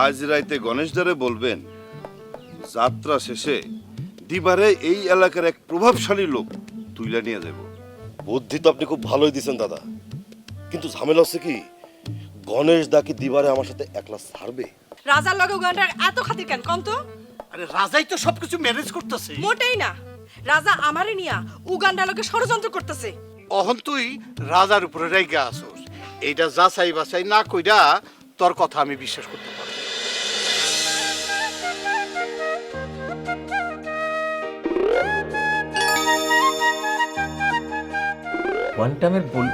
আজ রাইতে গণেশদারে বলবেন যাত্রা শেষে দিবারে এই এলাকার এক প্রভাবশালী লোক তুইলা নিয়ে যাব। বুদ্ধি তো আপনি খুব ভালোই দিয়েছেন দাদা, কিন্তু ঝামেলা হচ্ছে কি, গণেশ দা কি দিবারে আমার সাথে একলা ছাড়বে? রাজার লগে উগান্ডার এত খাতির কেন কম তো? আরে রাজাই তো সবকিছু ম্যানেজ করতেছে। মোটেই না, রাজা আমারে নিয়া উগান্ডার লগে ষড়যন্ত্র করতেছে। অহন তুই রাজার উপরে রেগে আসোস, এইটা যাচাই বাছাই না কইরা তোর কথা আমি বিশ্বাস করতে পারবো। কোয়ান্টামের বল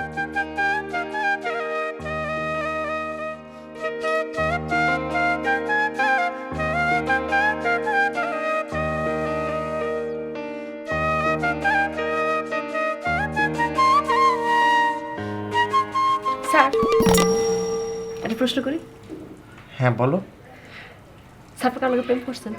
স্যার একটা প্রশ্ন করি। হ্যাঁ বলো। স্যার কার লগে প্রেম করছেন?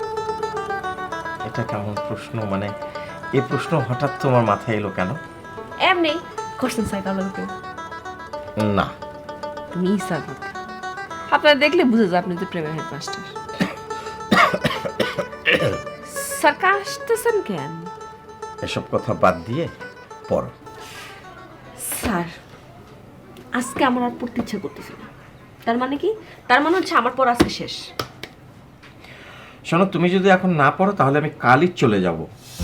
এটা কেমন প্রশ্ন, মানে এই প্রশ্ন হঠাৎ তোমার মাথায় এলো কেন? এমনি করছেন স্যার কার লগে প্রেম? না। তুমি স্যার আপনারা দেখলে বুঝে যায় আপনি তো প্রেমের হেডমাস্টার। স্যার কাশতেছেন কেন? এসব কথা বাদ দিয়ে পড়ো। স্যার আজকে আমার আর পড়তে ইচ্ছা করতেছে না। তার মানে কি? তার মানে হচ্ছে আমার পড়া আজকে শেষ। শোনো, তুমি যদি এখন না পড়ো তাহলে আমি কালই চলে যাব।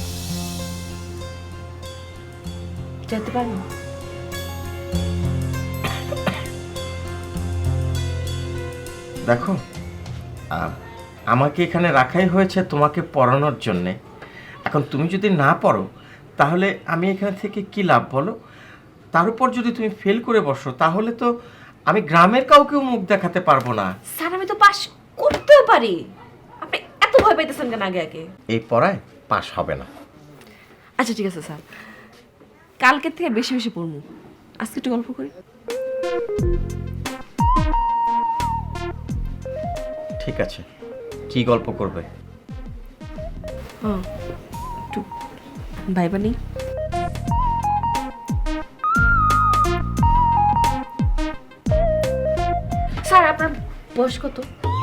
যেতে পারবো? দেখো, আমাকে এখানে রাখাই হয়েছে তোমাকে পড়ানোর জন্যে। এখন তুমি যদি না পড়ো তাহলে আমি এখানে থেকে কি লাভ বলো? তার উপর যদি তুমি ফেল করে বসো তাহলে তো আমি গ্রামের কাউকেও মুখ দেখাতে পারবো না। স্যার আমি তো পাস করতেও পারি, আপনি এত ভয় পাইতেছেন কেন আগে আগে? এই পড়ায় পাস হবে না। আচ্ছা ঠিক আছে স্যার, কালকের থেকে বেশি বেশি পড়বো। আজকে একটু গল্প করি। ঠিক আছে, কি গল্প করবে? একটু ভাইবা নেই। স্যার আপনার বয়স কত?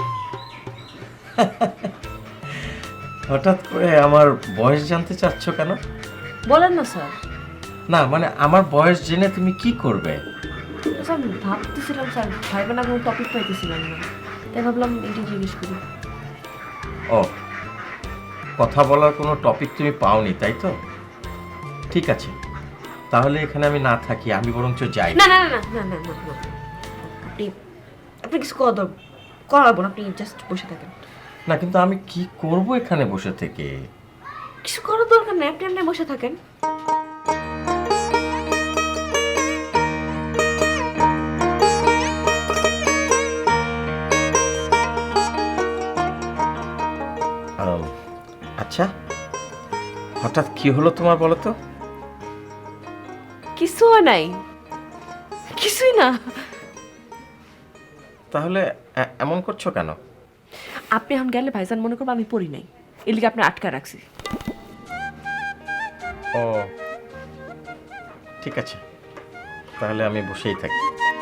হঠাৎ করে আমার বয়স জানতে চাচ্ছ কেন? বলেন না স্যার। না মানে আমার বয়স জেনে তুমি কি করবে? স্যার ভাবতেছিলাম স্যার, ভাইবা না কোনো টপিক পাইতেছিলাম না, তাই ভাবলাম এটা জিজ্ঞেস করি। ও, কথা বলার কোনো টপিক তুমি পাওনি তাই তো? ঠিক আছে, তাহলে এখানে আমি না থাকি, আমি বরঞ্চ যাই। না না না না না না না, আপনি আপনি কিছু করাবো না, আপনি জাস্ট বসে থাকেন। না কিন্তু আমি কি করব এখানে বসে থেকে? কিছু করার দরকার নেই, আপনি এমনি বসে থাকেন। আচ্ছা, হঠাৎ কি হলো তোমার বলো তো? কিছু হয় নাই, কিছুই না। তাহলে এমন করছো কেন? আপনি এখন গেলে ভাইজান মনে করবো আমি পড়ি নাই, এর লিগে আপনি আটকা রাখছি। ও ঠিক আছে, তাহলে আমি বসেই থাকি।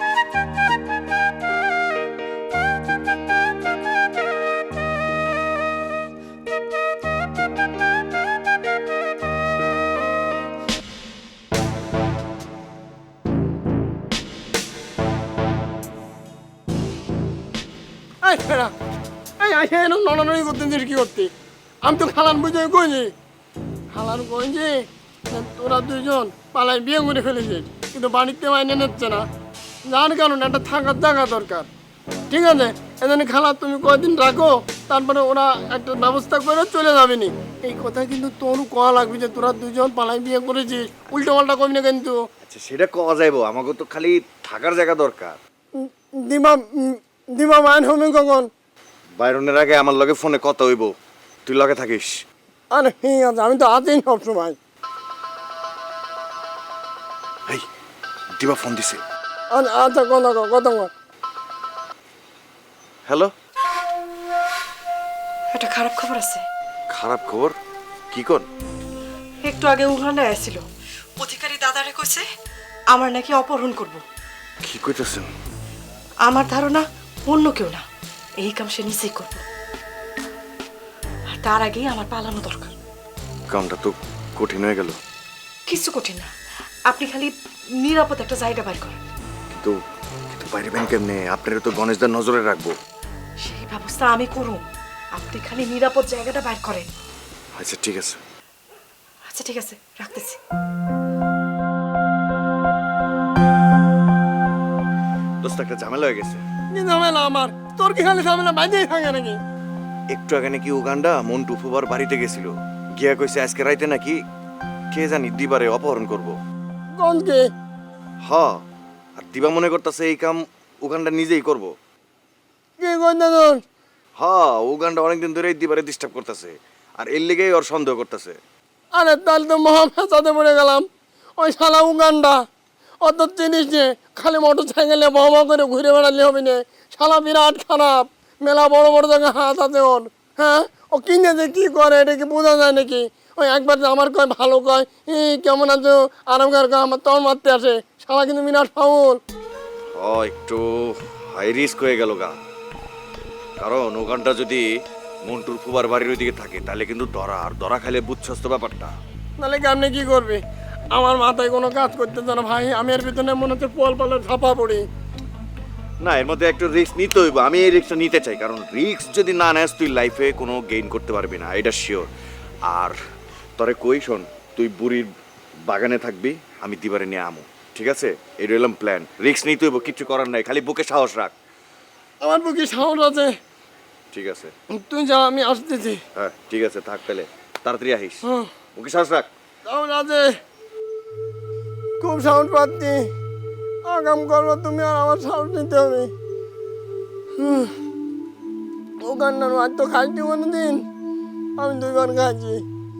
এই ফেরা, এই আইসে এরকম নড়ানড়ি করতে দিস কি করতে? আমি তো খালান বুঝে কইছি, খালান কইছি তোরা দুইজন পালাই বিয়ে করে ফেলেছিস, কিন্তু বাড়িতে মাইনে নিচ্ছে না। যার কারণে একটা থাকার জায়গা দরকার। ঠিক আছে, এজন্য খালা তুমি কয়দিন রাখো, তারপরে ওরা একটা ব্যবস্থা করে চলে যাবে নি। এই কথা কিন্তু তোর কয়া লাগবে যে তোরা দুইজন পালাই বিয়ে করেছিস, উল্টো পাল্টা কবি না কিন্তু। আচ্ছা সেটা কওয়া যাইবো, আমাকে তো খালি থাকার জায়গা দরকার। দিমা দিমা মাইন হবে কখন? বাইরনের আগে আমার লগে ফোনে কথা হইব, তুই লগে থাকিস। আরে ঠিক আছে, আমি তো আছি সবসময়। এই দিবা ফোন দিছে। আচ্ছা কথা কথা। হ্যালো, একটা খারাপ খবর আছে। খারাপ খবর? কি কোন? একটু আগে উগান্ডা আসছিল, অধিকারী দাদারে কইছে আমার নাকি অপহরণ করব। কি কইতেছেন? আমার ধারণা অন্য কেউ না, এই কাম সে নিজেই করবো, আর তার আগেই আমার পালানো দরকার। কামটা তো কঠিন হয়ে গেল। কিছু কঠিন না, আপনি খালি নিরাপদ একটা জায়গা বাইর করেন। কিন্তু কিন্তু বাইরে ব্যাংক কেমনে? আপনারা তো গণেশদার নজরে রাখবো। সেই ব্যবস্থা আমি করুন, আপনি খালি নিরাপদ জায়গাটা বাইর করেন। আচ্ছা ঠিক আছে। আচ্ছা ঠিক আছে, রাখতেছি। দোস্ত একটা ঝামেলা হয়ে গেছে। কি ঝামেলা আমার? তোর কি খালি ঝামেলা বাইরেই থাকে নাকি? একটু আগে নাকি উগান্ডা মন্টু ফুবার বাড়িতে গেছিল, গিয়া কইছে আজকে রাইতে নাকি কে জানি দিবারে অপহরণ করব। কোন কে? হ, আর দিবা মনে করতেছে এই কাম উগান্ডা নিজেই করব। কি কইনা তোর? হ, উগান্ডা অনেকদিন ধরে দিবারে ডিস্টার্ব করতেছে, আর এর লেগেই ওর সন্দেহ করতেছে। আরে তাহলে তো মহা ফেসাতে পড়ে গেলাম। ওই শালা উগান্ডা অত জিনিস যে খালি মোটর সাইকেলে বাবা করে ঘুরে বেড়ালে হবে না। শালা বিরাট খারাপ, মেলা বড় বড় জায়গায় হাত আছে ওর। হ্যাঁ, ও কিনে যে কি করে এটা কি বোঝা যায় নাকি? ওই একবার যে আমার কয় ভালো কয়, কেমন আছো আরামকার কয়, আমার তখন মারতে আসে। শালা কিন্তু বিরাট ফাউল। হ, একটু হাই রিস্ক হয়ে গেল গা, কারণ উগান্ডা যদি মন্টুর ফুবার বাড়ির ওইদিকে থাকে তাহলে কিন্তু ধরা খাইলে বুঝছস তো ব্যাপারটা। তাহলে কেমনি কি করবে? আমার মাথায় কোনো কাজ করতে চায় না ভাই। আমি এর ভিতরে মনে হচ্ছে পোল পালে ঝাপা পড়ি। না, এর মধ্যে একটু রিস্ক নিতে হইব। আমি এই রিস্কটা নিতে চাই, কারণ রিস্ক যদি না নেস তুই লাইফে কোনো গেইন করতে পারবি না, এটা শিওর। আর তরে কই শোন, তুই বুড়ির বাগানে থাকবি, আমি দিবারে নিয়ে আমু, ঠিক আছে? এই রইলাম প্ল্যান। রিস্ক নিতে হইব, কিচ্ছু করার নাই, খালি বুকে সাহস রাখ। আমার বুকে সাহস আছে। ঠিক আছে, তুই যা, আমি আসতেছি। হ্যাঁ ঠিক আছে, থাক তাহলে, তাড়াতাড়ি আহিস, হ্যাঁ, বুকে সাহস রাখ। সাহস আছে, খুব সাহস পাচ্ছি। আগাম করবো তুমি, আর আমার সাহস নিতে হবে। ওখানটার আজ তো খাইছি কোনো দিন, আমি 2 বার খাইছি।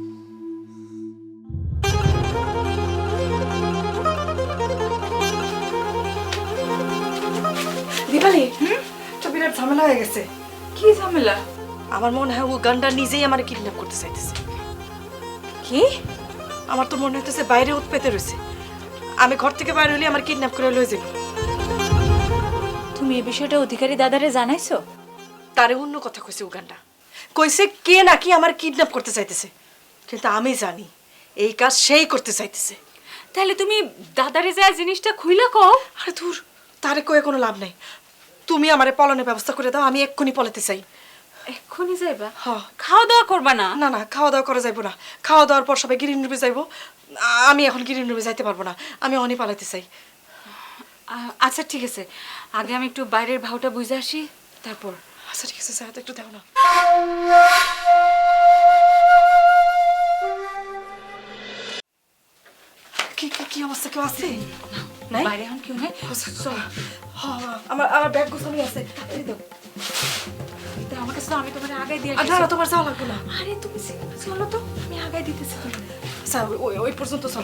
দীপালি, তো বিরাট ঝামেলা হয়ে গেছে। কি ঝামেলা? আমার মনে হয় উগান্ডা নিজেই আমার কিডন্যাপ করতে চাইতেছে। কি? আমার তো মনে হইতেছে বাইরে উৎপেতে রয়েছে। আমি ঘর থেকে বাইরে হলে আমার কিডন্যাপ করে লয়ে যাবে। তুমি এই বিষয়টা অধিকারী দাদারে জানাইছো? তারে অন্য কথা কইছে উগান্ডা, কইছে কে নাকি আমার কিডন্যাপ করতে চাইতেছে, কিন্তু আমি জানি এই কাজ সেই করতে চাইতেছে। তাহলে তুমি দাদারে যায় জিনিসটা খুইলা কও। আরে ধুর, তারে কয়ে কোনো লাভ নাই। তুমি আমারে পলানোর ব্যবস্থা করে দাও, আমি এক্ষুনি পলাতে চাই। এক্ষুনি যাইবা? হ্যাঁ। খাওয়া দাওয়া করবা না? না না, খাওয়া দাওয়া করা যাইবো না। খাওয়া দাওয়ার পর সবাই গিরিন রুমে যাইবো। আমি এখন গিরিন রুমে যাইতে পারবো না, আমি অনেক পালাইতে চাই। আচ্ছা ঠিক আছে, আগে আমি একটু বাইরের ভাওটা বুঝে আসি, তারপর। আচ্ছা ঠিক আছে, স্যার একটু দেখো না। কি কি কি অবস্থা, কেউ আছে? নাই? বাইরে এখন কেউ নেই? চল। আমার ব্যাগ গোছানো আছে, এই দাও। তা আমার কাছে তো, আমি তোমার আগে দিয়ে না না, তোমার যাওয়া লাগবে না। আরে তুমি চলো তো, আমি আগে দিতেছি। স্যার ওই ওই পর্যন্ত চল।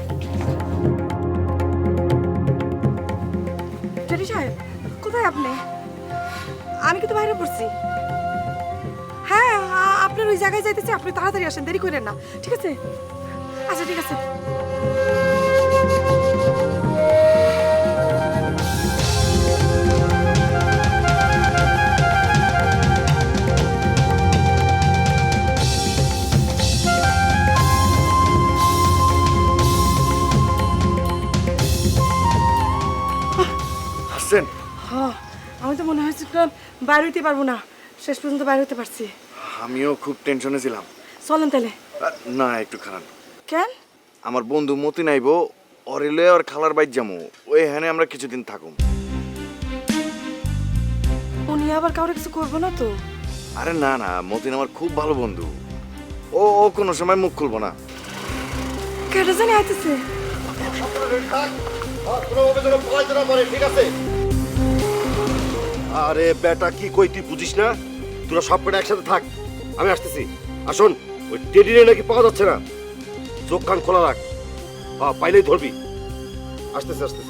টেরি সাহেব, কোথায় আপনি? আমি কিন্তু বাইরে পড়ছি। হ্যাঁ, আপনার ওই জায়গায় যাইতেছি, আপনি তাড়াতাড়ি আসেন, দেরি করেন না, ঠিক আছে? আচ্ছা ঠিক আছে। হাসছেন? হ্যাঁ, আমি তো মনে হয়েছিল বাইরে হইতে পারবো না, শেষ পর্যন্ত বাইরে হতে পারছি। আমিও খুব টেনশনে ছিলাম। চলেন তাহলে। না, একটু খারাপ। কেন? আমার বন্ধু মতি নাইবো, অরেলে আর খালার বাইর যামু, ওই হ্যানে আমরা কিছুদিন থাকুম। উনি আবার কাউরে কিছু করবো না তো? আরে না না, মতিন আমার খুব ভালো বন্ধু, ও ও কোনো সময় মুখ খুলবো না। কেটে জানি আইতেছে। আরে বেটা, কি কই তুই বুঝিস না? তোরা সব কটা একসাথে থাক, আমি আসতেছি। আসুন, ওই টেডিরে নাকি পাওয়া যাচ্ছে না, চোখ কান খোলা রাখ, পাইলেই ধরবি। আসতেছি আসতেছি।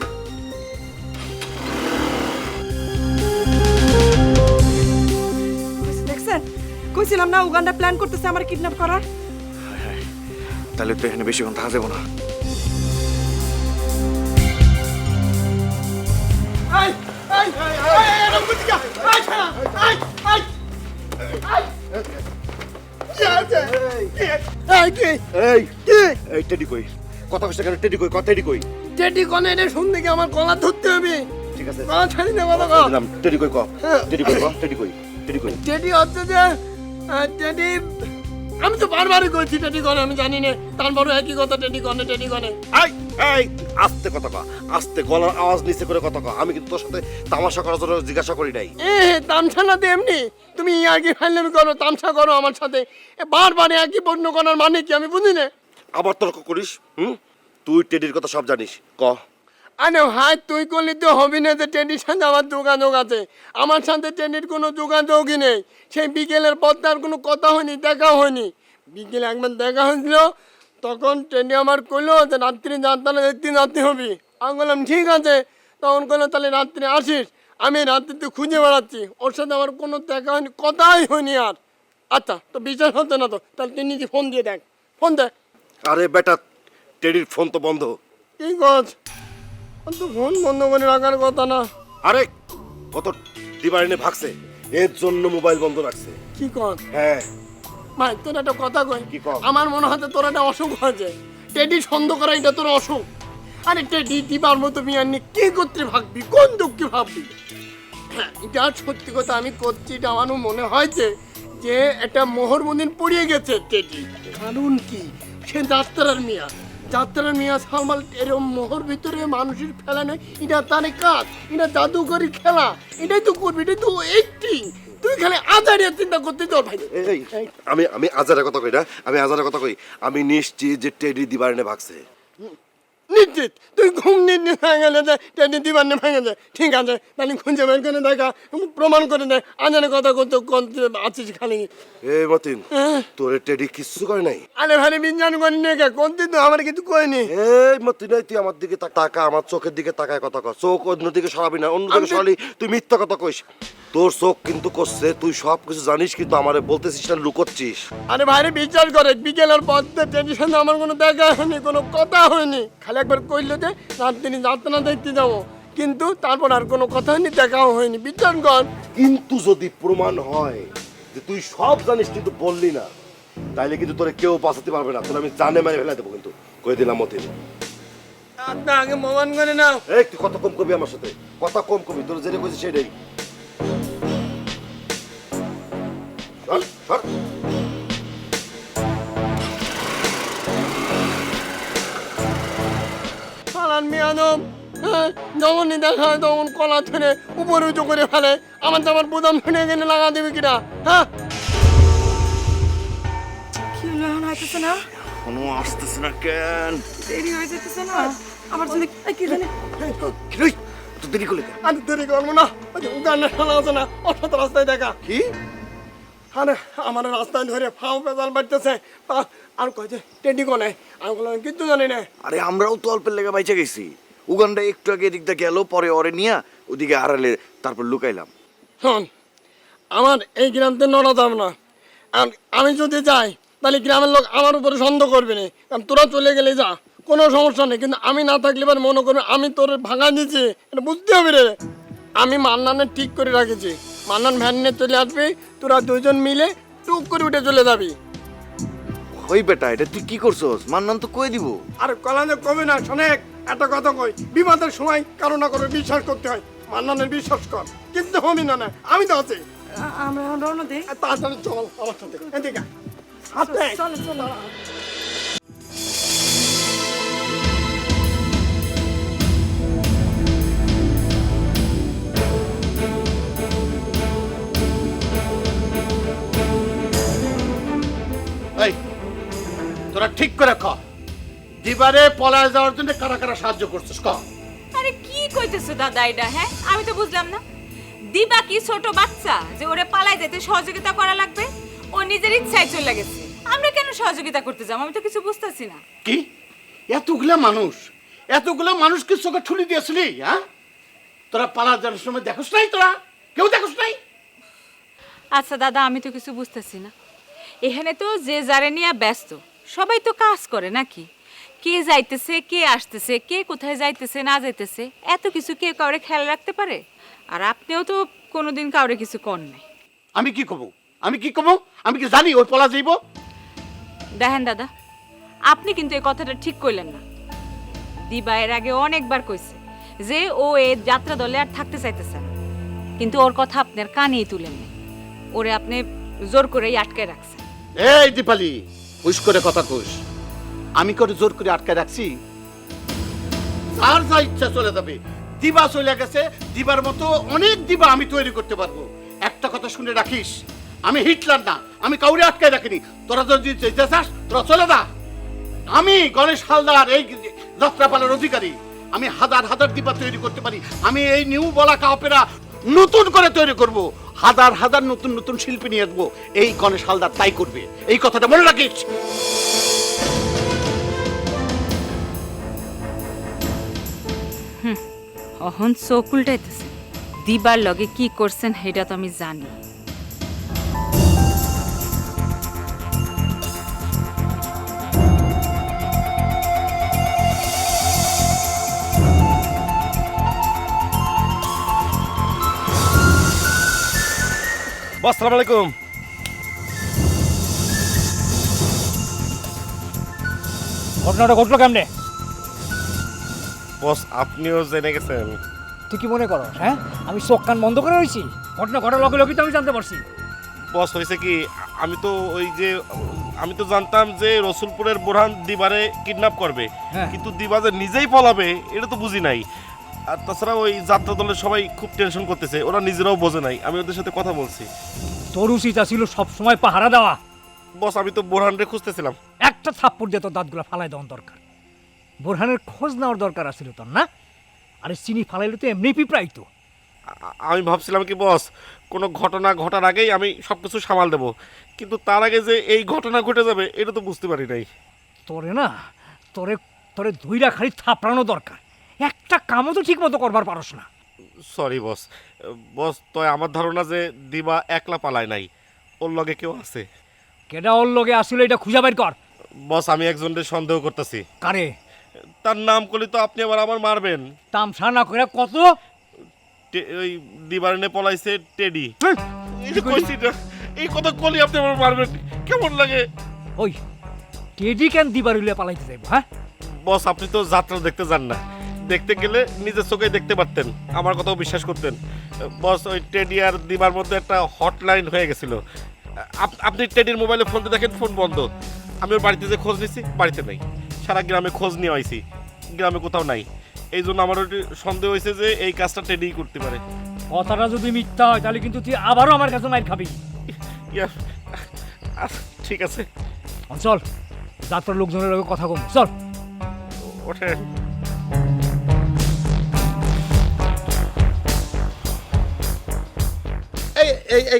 দেখছেন, কইছিলাম না উগান্ডা প্ল্যান করতেছে আমার কিডন্যাপ করার। তাহলে তো এখানে বেশিক্ষণ থাকা যাবো না। এই এই এই এই টেডি কই কথা কইছ কেন টেডি কই কথা টেডি কই টেডি কনে এটা শুনতে কি আমার গলা ধরতে হবে ঠিক আছে গলা ছাড়ি না কথা কও দিলাম টেডি কই ক টেডি কই ক টেডি কই টেডি কই টেডি হচ্ছে যে টেডি আমি তো বারবারই কইছি টেডি কনে আমি জানি না তারপরে একই কথা টেডি কনে এই এই আস্তে কথা ক আস্তে গলার আওয়াজ নিচে করে কথা ক আমি কিন্তু তোর সাথে তামাশা করার জন্য জিজ্ঞাসা করি নাই তামসা না দে এমনি তুমি আগে ফাইলামি করো তামসা করো আমার সাথে বারবার একই বন্য করার মানে কি আমি বুঝি না আবার তর্ক করিস তুই টেডির কথা সব জানিস ক আরে ভাই তুই করলে তো হবি না যে টেডির সাথে আমার যোগাযোগ আছে আমার সাথে টেডির কোনো যোগাযোগই নেই সেই বিকেলের পর তার কোনো কথা হয়নি দেখা হয়নি বিকেলে একবার দেখা হয়েছিল তখন টেডি আমার কইলো যে রাত্রি যাত্রা দেখতে যাতে হবি আমি বললাম ঠিক আছে তখন কইলো তাহলে রাত্রে আসিস আমি রাত্রিতে খুঁজে বেড়াচ্ছি ওর সাথে আমার কোনো দেখা হয়নি কথাই হয়নি আর আচ্ছা তো বিচার হতো না তো তাহলে তুই নিজে ফোন দিয়ে দেখ ফোন দে আরে বেটা টেডির ফোন তো বন্ধ কি কর তো ফোন বন্ধ করে রাখার কথা না আরে কত দিবারিনে ভাগছে এর জন্য মোবাইল বন্ধ রাখছে কি কর হ্যাঁ ভাই তোর একটা কথা কই কি কও? আমার মনে হয় তোর একটা অসুখ হয়েছে টেডি সন্দেহ করা এটা তোর অসুখ আরে টেডি দিবার মতো বিয়ার নিয়ে কি করতে ভাববি কোন দুঃখে ভাববি হ্যাঁ এটা সত্যি কথা আমি করছি এটা আমারও মনে হয়েছে যে একটা মোহরবন্দিন পড়িয়ে গেছে টেডি কারণ কি সে যাত্রার মিয়া সালমাল এরকম মোহর ভিতরে মানুষের ফেলা নেই এটা তারে কাজ এটা জাদুকরি খেলা এটাই তো করবি এটাই তো একটিং তুই খালি আজারিয়া চিন্তা করতে তোর ভাই এই আমি আমি আজারের কথা কই না আমি আজারের কথা কই আমি নিশ্চিত যে টেডি দিবারিনে ভাগছে নিশ্চিত তুই ঘুম নিয়ে ভেঙে গেলে টেডি দিবার নিয়ে ভেঙে যায় ঠিক আছে তাহলে খুঁজে বের করে দেখা প্রমাণ করে দেয় আজারের কথা করতে আছিস খালি এই মতিন তোরে টেডি কিচ্ছু করে নাই আরে ভাই বিজ্ঞান করি না কোন দিন তো আমার কিছু কয়নি এই মতিন এই তুই আমার দিকে তাকা আমার চোখের দিকে তাকায় কথা কর চোখ অন্যদিকে সরাবি না অন্যদিকে সরালি তুই মিথ্যা কথা কইস তোর চোখ কিন্তু করছে তুই সব কিছু জানিস কিন্তু আমারে বলতেছিস না লুকোচ্ছিস আরে ভাইরে বিচার করে বিকেলের পর টেনশন আমার কোনো দেখা হয়নি কোনো কথা হয়নি খালি একবার কইলো যে রাত্রি যাত্রা দেখতে যাবো কিন্তু তারপর আর কোনো কথা হয়নি দেখাও হয়নি বিচার কর কিন্তু যদি প্রমাণ হয় যে তুই সব জানিস কিন্তু বললি না তাইলে কিন্তু তোরে কেউ বাঁচাতে পারবে না তোর আমি জানে মেরে ফেলে দেবো কিন্তু কই দিলাম মতিন আপনি আগে প্রমাণ করে নাও এই তুই কথা কম কবি আমার সাথে কথা কম কবি তোর যেটা কইছিস সেটাই সর, সর। পালান মিয়ানব যখনই দেখা হয় তখন কলা ধরে উপরে উঁচু করে ফেলে আমার তো আমার বুদাম শুনে গেলে লাগা দেবে কিনা হ্যাঁ কি হলো এখন হইতেছে না কোনো আসতেছে না কেন দেরি হয়ে যেতেছে না আমার জন্য কি জানি কিরে তো দেরি করলে কেন? আর দেরি করবো না ওই যে উগান্ডা শালা আছে না ওর সাথে রাস্তায় দেখা কি আরে আমার রাস্তায় ধরে ফাও পেঁচাল বাড়তেছে আর কয়েছে টেডি কোনে আমি বললাম কিচ্ছু জানি না আরে আমরাও তো অল্পের লেগে বাইচে গেছি উগান্ডা একটু আগে এদিকটা গেল পরে ওরে নিয়া ওদিকে আড়ালে তারপর লুকাইলাম শোন আমার এই গ্রামতে নড়া যাব না আর আমি যদি যাই তাহলে গ্রামের লোক আমার উপরে সন্দেহ করবে না কারণ তোরা চলে গেলে যা কোনো সমস্যা নেই কিন্তু আমি না থাকলে এবার মনে করবে আমি তোর ভাঙা দিয়েছি এটা বুঝতে হবে রে আমি মান্নানের ঠিক করে রাখেছি মান্নান ভ্যান নিয়ে চলে আসবি তোরা দুজন মিলে টুক করে উঠে চলে যাবি ওই বেটা এটা তুই কি করছস মান্নান তো কই দিব আর কলানে কবে না শোনেক একটা কথা কই বিপদের সময় কারো না কারো বিশ্বাস করতে হয় মান্নানের বিশ্বাস কর কিন্তু হবি না না আমি তো আছি আমরা এখন রওনা দিই আর তাড়াতাড়ি চল আমার সাথে এদিকে হাত নে। চলো চলো এই তোরা ঠিক করে খ দিবারে পলায় যাওয়ার জন্য কারা কারা সাহায্য করছিস ক আরে কি কইতেছো দাদা এটা হ্যাঁ আমি তো বুঝলাম না দিবা কি ছোট বাচ্চা যে ওরে পালায় যেতে সহযোগিতা করা লাগবে ও নিজের ইচ্ছায় চলে গেছে আমরা কেন সহযোগিতা করতে যাব আমি তো কিছু বুঝতাছি না কি এতগুলা মানুষকে চোখে ঠুলি দিয়েছিলি হ্যাঁ তোরা পালা যাওয়ার সময় দেখোস নাই তোরা কেউ দেখোস নাই আচ্ছা দাদা আমি তো কিছু বুঝতেছি না এখানে তো যে যারে নিয়ে ব্যস্ত সবাই তো কাজ করে নাকি কে যাইতেছে কে আসতেছে কে কোথায় যাইতেছে না যাইতেছে এত কিছু কে কাউরে খেয়াল রাখতে পারে আর আপনিও তো কোনোদিন কাউরে কিছু কর নাই। আমি কি কমো? আমি কি কমো? আমি কি জানি ওই পলা যাইব? দেখেন দাদা, আপনি কিন্তু এই কথাটা ঠিক কইলেন না। দিবা এর আগে অনেকবার কইছে যে ও এই যাত্রা দলে আর থাকতে চাইতেছে না, কিন্তু ওর কথা আপনার কানেই তুলেন না। ওরে আপনি জোর করেই আটকে রাখছেন। এই দীপালি, হুশ করে কথা কইস। আমি করে জোর করে আটকায় রাখছি? আর যা ইচ্ছা চলে যাবে। দিবা চলে গেছে, দিবার মতো অনেক দিবা আমি তৈরি করতে পারবো। একটা কথা শুনে রাখিস, আমি হিটলার না, আমি কাউরে আটকায় রাখিনি। তোরা যদি যেতে চাস তোরা চলে যা। আমি গণেশ হালদার, এই যাত্রাপালার অধিকারী। আমি হাজার হাজার দিবা তৈরি করতে পারি। আমি এই নিউ বলাকা অপেরা নতুন করে তৈরি করব, হাজার হাজার নতুন নতুন শিল্পী নিয়ে আসবো। এই গণেশ হালদার তাই করবে, এই কথাটা মনে রাখিস। অহন চোখ উল্টাইতেছে। দিবার লগে কি করছেন সেটা তো আমি জানি। বস সালাম আলাইকুম। ঘটনাটা ঘটলো কেমনে? বস আপনিও জেনে গেছেন? তুই কি মনে করো হ্যাঁ আমি চোখ কান বন্ধ করে রয়েছি? ঘটনা ঘটার লগে লগে তো আমি জানতে পারছি। বস হয়েছে কি, আমি তো জানতাম যে রসুলপুরের বোরহান দিবারে কিডন্যাপ করবে, হ্যাঁ। কিন্তু দিবা যে নিজেই পলাবে এটা তো বুঝি নাই। আর তাছাড়া ওই যাত্রা দলের সবাই খুব টেনশন করতেছে, ওরা নিজেরাও বোঝে নাই। আমি ওদের সাথে কথা বলছি। তোর উচিত ছিল সব সময় পাহারা দেওয়া। বস আমি তো বোরহানরে খুঁজতেছিলাম। একটা থাপ্পড় দিয়ে তোর দাঁতগুলো ফালাই দেওয়ার দরকার। বোরহানের খোঁজ নেওয়ার দরকার আছিল তোর না? আরে চিনি ফালাইলে তো এমনি পিঁপড়াই তো। আমি ভাবছিলাম কি বস, কোনো ঘটনা ঘটার আগেই আমি সব কিছু সামাল দেবো, কিন্তু তার আগে যে এই ঘটনা ঘটে যাবে এটা তো বুঝতে পারি নাই। তোরে না তোরে তোরে দুইটা খালি থাপড়ানো দরকার। একটা কামও তো ঠিক মতো করবার পারস না। Sorry boss. বস তো আমার ধারণা যে দিবা একলা পালায় নাই, ওর লগে কেউ আছে। কেডা ওর লগে আসলে এটা খুঁজে বের কর। বস আমি একজনের সন্দেহ করতেছি। কারে? তার নাম করলে তো আপনি আবার আমার মারবেন। তামসা না করে কত ওই দিবারনে পলাইছে টেডি। হেই, এই যে কইছি না, এই কথা কলি আপনি আমার মারবেন, কেমন লাগে? ওই টেডি কেন দিবারুলিয়া পালাইতে যাইব? হ্যাঁ বস আপনি তো যাত্রা দেখতে যান না, দেখতে গেলে নিজের চোখে দেখতে পারতেন, আমার কথাও বিশ্বাস করতেন। বস ওই টেডি আর দিবার মধ্যে একটা হটলাইন হয়ে গেছিল। আপনি টেডির মোবাইলে ফোনতে দেখেন, ফোন বন্ধ। আমি ওর বাড়িতে যে খোঁজ নিয়েছি, বাড়িতে নাই। সারা গ্রামে খোঁজ নিয়ে আইছি, গ্রামে কোথাও নাই। এই জন্য আমার ওই সন্দেহ হয়েছে যে এই কাজটা টেডিই করতে পারে। কথাটা যদি মিথ্যা হয় তাহলে কিন্তু তুই আবারও আমার কাছে মাইর খাবি। ইয়া, ঠিক আছে চল, যাত্রার লোকজনের লগে কথা কম, চল ওঠেন। এই এই এই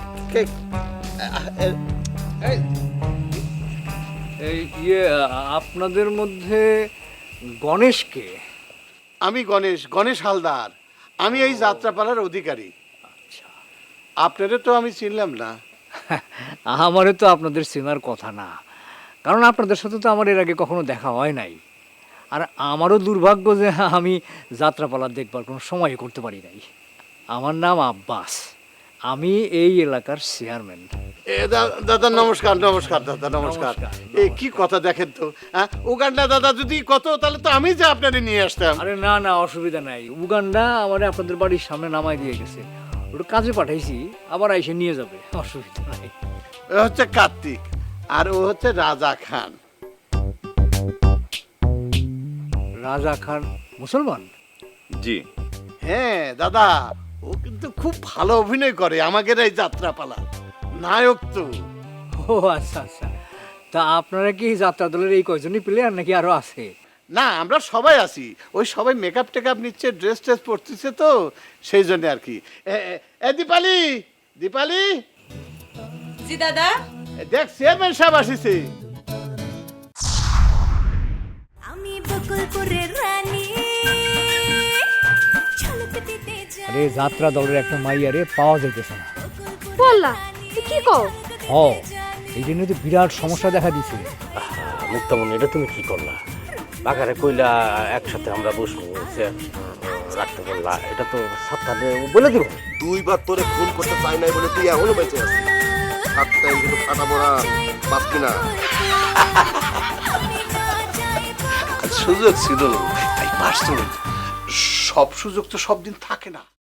এই আপনাদের মধ্যে গণেশকে? আমি গণেশ হালদার। আমি এই যাত্রাপালার অধিকারী। আপনারে তো আমি চিনলাম না। আমারও তো আপনাদের চেনার কথা না, কারণ আপনাদের সাথে তো আমার এর আগে কখনো দেখা হয় নাই। আর আমারও দুর্ভাগ্য যে আমি যাত্রাপালা দেখবার কোনো সময় করতে পারি নাই। আমার নাম আব্বাস, আমি এই এলাকার চেয়ারম্যান। দাদা নমস্কার। নমস্কার দাদা, নমস্কার। এই কি কথা দেখেন তো, হ্যাঁ উগান্ডা দাদা যদি কত, তাহলে তো আমি যে আপনারে নিয়ে আসতাম। আরে না না, অসুবিধা নাই। উগান্ডা আমার আপনাদের বাড়ির সামনে নামাই দিয়ে গেছে, ওটা কাজে পাঠাইছি, আবার এসে নিয়ে যাবে, অসুবিধা নাই। ও হচ্ছে কার্তিক আর ও হচ্ছে রাজা খান। রাজা খান মুসলমান? জি। হ্যাঁ দাদা, ও কিন্তু খুব ভালো অভিনয় করে আমাদের এই যাত্রাপালা, নায়ক তো। ও আচ্ছা আচ্ছা, তা আপনারা কি যাত্রা দলের এই কয়জনই প্লেয়ার নাকি আরো আছে? না, আমরা সবাই আছি। ওই সবাই মেকআপ টেকআপ নিচ্ছে, ড্রেস ট্রেস পরতেছে তো, সেই জন্য আর কি। এ দীপালি, দীপালি জি দাদা। দেখ চেয়ারম্যান সাহেব আসিছে। আমি বকুলপুরের রানী। আরে যাত্রা দলের একটা মাইয়ারে পাওয়া যাইতেছে না। বললা কি কও? ও, এই জন্য তো বিরাট সমস্যা দেখা দিছে। মুক্তামণি, এটা তুমি কি করলা? বাগারে কইলা একসাথে আমরা বসবো, রাখতে পারলা এটা তো সাতটাতে বলে দিব। 2 বার তোরে খুন করতে চাই নাই বলে তুই এখনো বেঁচে আছিস। সাতটা কিন্তু ফাটা পড়া বাঁচবি না। সুযোগ ছিল, তাই পারছো। সব সুযোগ তো সব দিন থাকে না।